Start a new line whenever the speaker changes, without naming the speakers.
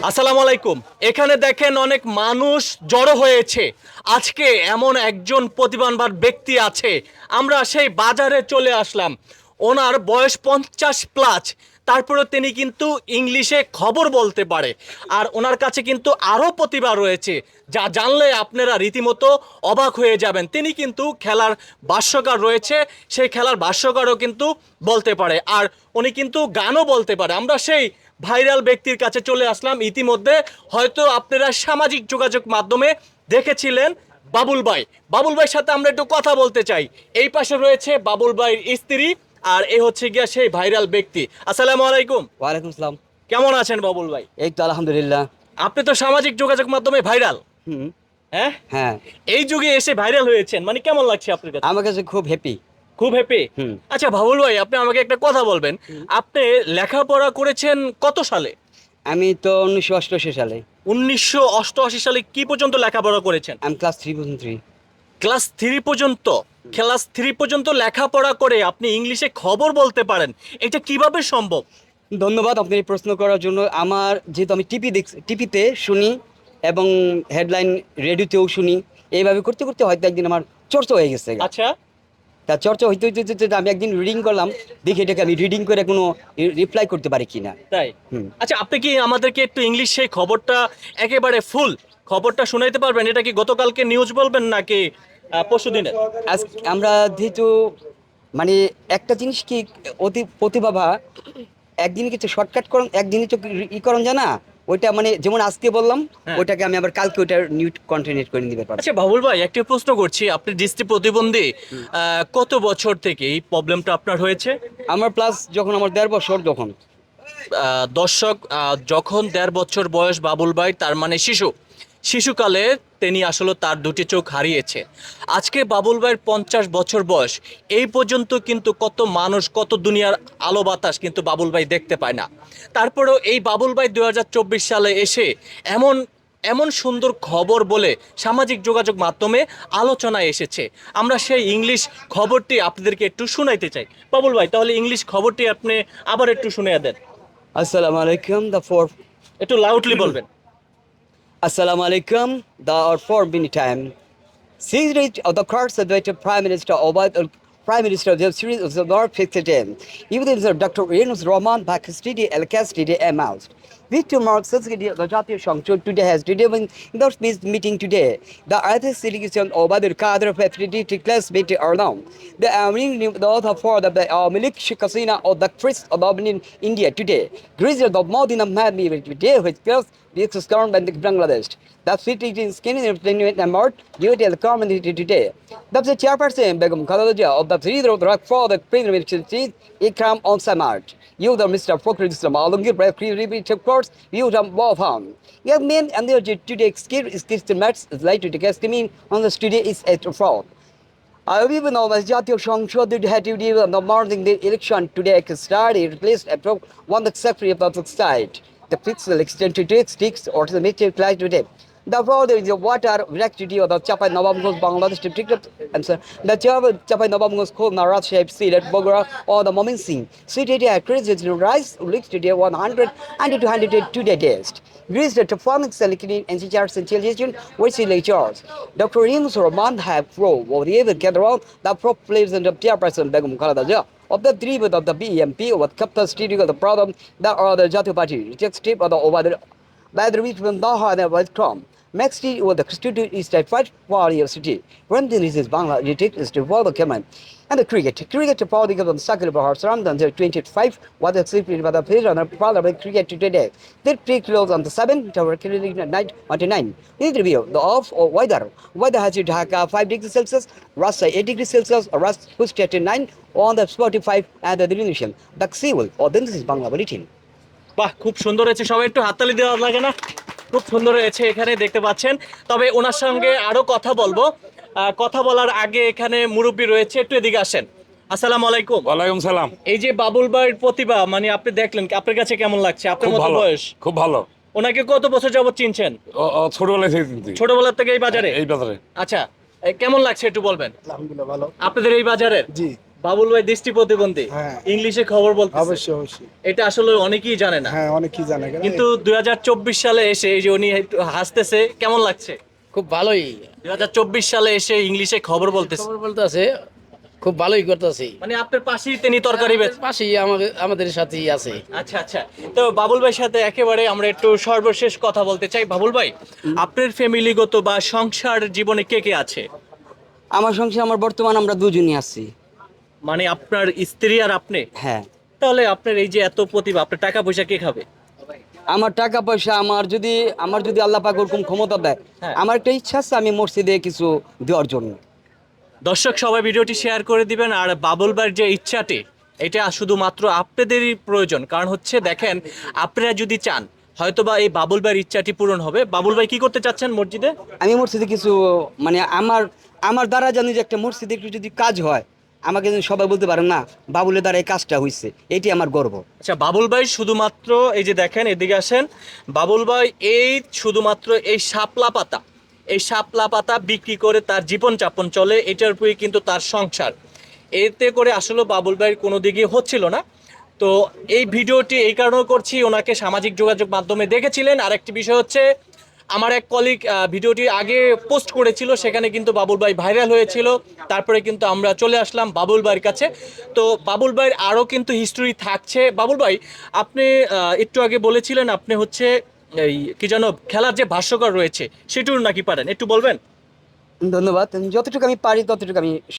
আসসালামু আলাইকুম। এখানে দেখেন অনেক মানুষ জড়ো হয়েছে। আজকে এমন একজন প্রতিভাবান ব্যক্তি আছে, আমরা সেই বাজারে চলে আসলাম। ওনার বয়স 50+, তারপরেও তিনি কিন্তু ইংলিশে খবর বলতে পারে। আর ওনার কাছে কিন্তু আরও প্রতিভা রয়েছে, যা জানলে আপনারা রীতিমতো অবাক হয়ে যাবেন। তিনি কিন্তু খেলার ভাষ্যকার রয়েছে, সেই খেলার ভাষ্যকারও কিন্তু বলতে পারে, আর উনি কিন্তু গানও বলতে পারে। আমরা সেই ভাইরাল ব্যক্তির কাছে চলে আসলাম। ইতিমধ্যে হয়তো আপনারা সামাজিক যোগাযোগ মাধ্যমে দেখেছিলেন বাবুল ভাই। বাবুল ভাইয়ের সাথে আমরা একটু কথা বলতে চাই। এই পাশে রয়েছে বাবুল ভাইয়ের স্ত্রী, আর এ হচ্ছে গিয়া সেই ভাইরাল ব্যক্তি। আসসালামু আলাইকুম।
ওয়ালাইকুম আসসালাম।
কেমন আছেন বাবুল ভাই?
এই তো আলহামদুলিল্লাহ।
আপনি তো সামাজিক যোগাযোগ মাধ্যমে ভাইরাল,
হুম।
হ্যাঁ?
হ্যাঁ,
এই যুগে এসে ভাইরাল হয়েছেন, মানে কেমন লাগছে আপনার কাছে?
আমার কাছে খুব হ্যাপি।
খুব হ্যাপি।
হুম।
আচ্ছা বাবুল ভাই, আপনি আমাকে একটা কথা বলবেন, আপনি লেখাপড়া করেছেন কত সালে?
আমি তো 1988 সালে।
1988 সালে কি পর্যন্ত লেখাপড়া করেছেন?
আমি ক্লাস 3 পর্যন্ত।
ক্লাস 3 পর্যন্ত? ক্লাস 3 পর্যন্ত লেখাপড়া করে আপনি ইংলিশে খবর বলতে পারেন, এটা কিভাবে সম্ভব?
ধন্যবাদ আপনি এই প্রশ্ন করার জন্য। আমার যেহেতু আমি টিপিতে শুনি এবং হেডলাইন রেডিওতেও শুনি, এইভাবে করতে করতে হয়তো একদিন আমার চর্চা হয়ে গেছে।
আচ্ছা,
তা চর্চা হইতে হইতে হইতে হইতে আমি একদিন রিডিং করলাম, দেখি এটাকে আমি রিডিং করে কোনো রিপ্লাই করতে পারি কিনা।
তাই?
হুম।
আচ্ছা, আপনি কি আমাদেরকে একটু ইংলিশ সেই খবরটা একেবারে ফুল খবরটা শোনাইতে পারবেন? এটা কি গতকালকে নিউজ বলবেন নাকি পরশু দিনের?
আজ আমরা যেহেতু মানে একটা জিনিস কি অতি প্রতিভাবা একদিনে কিছু শর্টকাট করুন, একদিনে তো করুন যায় না। ওইটা মানে যেমন আজকে বললাম,
হ্যাঁ।
ওইটাকে আমি আবার কালকে ওইটা নিউ কন্টিনিউ করে দিতে পারবো।
আচ্ছা বাবুল ভাই, একটা প্রশ্ন করছি, আপনি দৃষ্টি প্রতিবন্ধী, কত বছর থেকে এই প্রবলেমটা আপনার হয়েছে?
আমার প্লাস যখন আমার 1.5 বছর তখন।
দর্শক, যখন 1.5 বছর বয়স বাবুল ভাই, তার মানে শিশুকালে তিনি আসলে তার দুটি চোখ হারিয়েছে। আজকে বাবুল ভাইয়ের 50 বছর বয়স, এই পর্যন্ত কিন্তু কত মানুষ, কত দুনিয়ার আলো বাতাস কিন্তু বাবুল ভাই দেখতে পায় না। তারপরেও এই বাবুল ভাই 2024 সালে এসে এমন এমন সুন্দর খবর বলে সামাজিক যোগাযোগ মাধ্যমে আলোচনায় এসেছে। আমরা সেই ইংলিশ খবরটি আপনাদেরকে একটু শোনাইতে চাই। বাবুল ভাই, তাহলে ইংলিশ খবরটি আপনি আবার একটু শুনিয়ে দেন।
আসসালামু আলাইকুম দ্য ফোর
একটু লাউডলি বলবেন।
Assalamu alaikum, the or 4 minute time. Series of the course of the Prime Minister Obad Prime Minister of the series of the North Fixed even if Dr. Yunus Rahman Pakistani Al Castidi announced. Victor Mark Society of the Jatiya Shangchul today has determined in the peace meeting today. The other delegation of Badur Kader Patriotic class meeting are known. The the author for the Malik Shikasina of the Christ of India today. Greece of Modina Madmi today which girls the government of Bangladesh. The city is skinny and more due to the community today. The chairperson Begum Khalalaja of the three of the rock for the Premier Chief Ikram on Samart. You the Mr. Fokri Islam Alongir Brave Repeat of course, you the Wafam. Young men and the today skill is Christian Mats is likely to guess me on the studio is at fraud. I even know that Jatiya Shangchul had to deal on the morning the election today started replaced a one the secretary of the state. The pixel extent to take sticks or to the meteor class today. The water is the water electricity of the Chapai Nabamgos Bangladesh district answer. The Chapai Nabamgos called Narat shape seed at Bogora or the Momin Singh. City at credit rise leaks today 100 and 202 days. Greece the performance selected and teachers and children which is lectures. Dr. Yunus Rahman have pro or the ever gather around the prop players and the chairperson Begum Khaladaja. Of the three of the BMP with capital studio of the problem that are the Jatiya Party reject strip of the over the by the reach from Naha and West Crom. Next year, the student is the first party of city. When this is Bangla, it is to follow command. And the cricket. Cricket to party of the Sakal Bahar Saram, the 25, what the sleeping by the player on the parliament cricket today. They pre close on the 7th, tower killing at night 29. Interview the off or weather. Weather has it Dhaka 5 degrees Celsius, Rasa 8 degrees Celsius, or Rust pushed at 9 on the 45 and the diminution. The Seawall, or then this is Bangla Bulletin.
বাহ, খুব সুন্দর হয়েছে, সবাই একটু হাততালি দেওয়া লাগে না? খুব সুন্দর হয়েছে, এখানে দেখতে পাচ্ছেন। তবে ওনার সঙ্গে আরো কথা বলবো। কথা বলার আগে এখানে মুরব্বী রয়েছে, একটু এদিকে আসেন। আসসালামু আলাইকুম।
ওয়ালাইকুম সালাম।
এই যে বাবুল ভাইয়ের প্রতিভা, মানে আপনি দেখলেন, আপনার কাছে কেমন লাগছে? আপনার
খুব
মতো
ভালো,
বয়স।
খুব ভালো।
ওনাকে কত বছর যাবত চিনছেন?
ছোটবেলা থেকে চিনতি।
ছোটবেলা থেকে এই বাজারে?
এই বাজারে।
আচ্ছা, কেমন লাগছে একটু বলবেন?
আলহামদুলিল্লাহ ভালো।
আপনাদের এই বাজারের?
জি।
বাবুল ভাই দৃষ্টি প্রতিবন্ধী,
হ্যাঁ।
ইংলিশে খবর বলতে,
অবশ্যই অবশ্যই।
এটা আসলে অনেকেই জানে না।
হ্যাঁ, অনেক কি জানে কেন?
কিন্তু 2024 সালে এসে এই যে উনি একটু হাসতেছে, কেমন লাগছে?
খুব ভালোই
2024 সালে এসে ইংলিশে খবর বলতেছে,
খবর বলতেছে, খুব ভালোই করতেছি।
মানে আপনার পাশেই তিনি তরকারি বেচ।
পাশেই আমাদের সাথেই আছে।
আচ্ছা আচ্ছা, তো বাবুল ভাইয়ের সাথে একেবারে আমরা একটু সর্বশেষ কথা বলতে চাই। বাবুল ভাই, আপনার ফ্যামিলিগত বা সংসার জীবনে কে কে আছে?
আমার সংসারে আমার বর্তমান আমরা দুজনই আছি।
মানে আপনার স্ত্রী আর আপনি?
হ্যাঁ,
তাহলে আপনার এই যে এত প্রতিভা, আপনার টাকা পয়সা কে খাবে?
আমার টাকা পয়সা আমার যদি আল্লাহ পাক ওরকম ক্ষমতা দেয়,
হ্যাঁ।
আমার একটা ইচ্ছা আছে আমি মসজিদে কিছু দেওয়ার জন্য।
দর্শক সবাই ভিডিওটি শেয়ার করে দিবেন। আর বাবুল ভাইয়ের যে ইচ্ছাটি, এটা শুধুমাত্র আপনাদেরই প্রয়োজন। কারণ হচ্ছে দেখেন, আপনারা যদি চান হয়তোবা এই বাবুল ভাইয়ের ইচ্ছাটি পূরণ হবে। বাবুল ভাই কি করতে চাচ্ছেন মসজিদে?
আমি মসজিদে কিছু মানে আমার দ্বারা জানি যে একটা মসজিদে একটু যদি কাজ হয়, আমাকে যেন সবাই বলতে পারে না বাবুলের দ্বারা এই কাজটা হয়েছে, এটি আমার গর্ব।
আচ্ছা, বাবুল ভাই শুধুমাত্র এই যে দেখেন, এদিকে আসেন। বাবুল ভাই এই শুধুমাত্র এই শাপলা পাতা বিক্রি করে তার জীবনযাপন চলে, এটার উপরে কিন্তু তার সংসার। এতে করে আসলে বাবুল ভাইয়ের কোনো দিকে হচ্ছিল না। তো এই ভিডিওটি এই কারণে করছি, ওনাকে সামাজিক যোগাযোগ মাধ্যমে দেখেছিলেন। আর একটি বিষয় হচ্ছে, আমার এক কলিগ ভিডিওটি আগে পোস্ট করেছিল, সেখানে কিন্তু বাবুল ভাই ভাইরাল হয়েছিল। তারপরে কিন্তু আমরা চলে আসলাম বাবুল ভাইয়ের কাছে। তো বাবুল ভাইয়ের আরও কিন্তু হিস্টোরি থাকছে। বাবুল ভাই, আপনি একটু আগে বলেছিলেন আপনি হচ্ছে এই কি যেন খেলার যে ভাষ্যকার রয়েছে সেটুর নাকি পারেন, একটু বলবেন?
ধন্যবাদ। যতটুকু আমি পারি ততটুকু আমি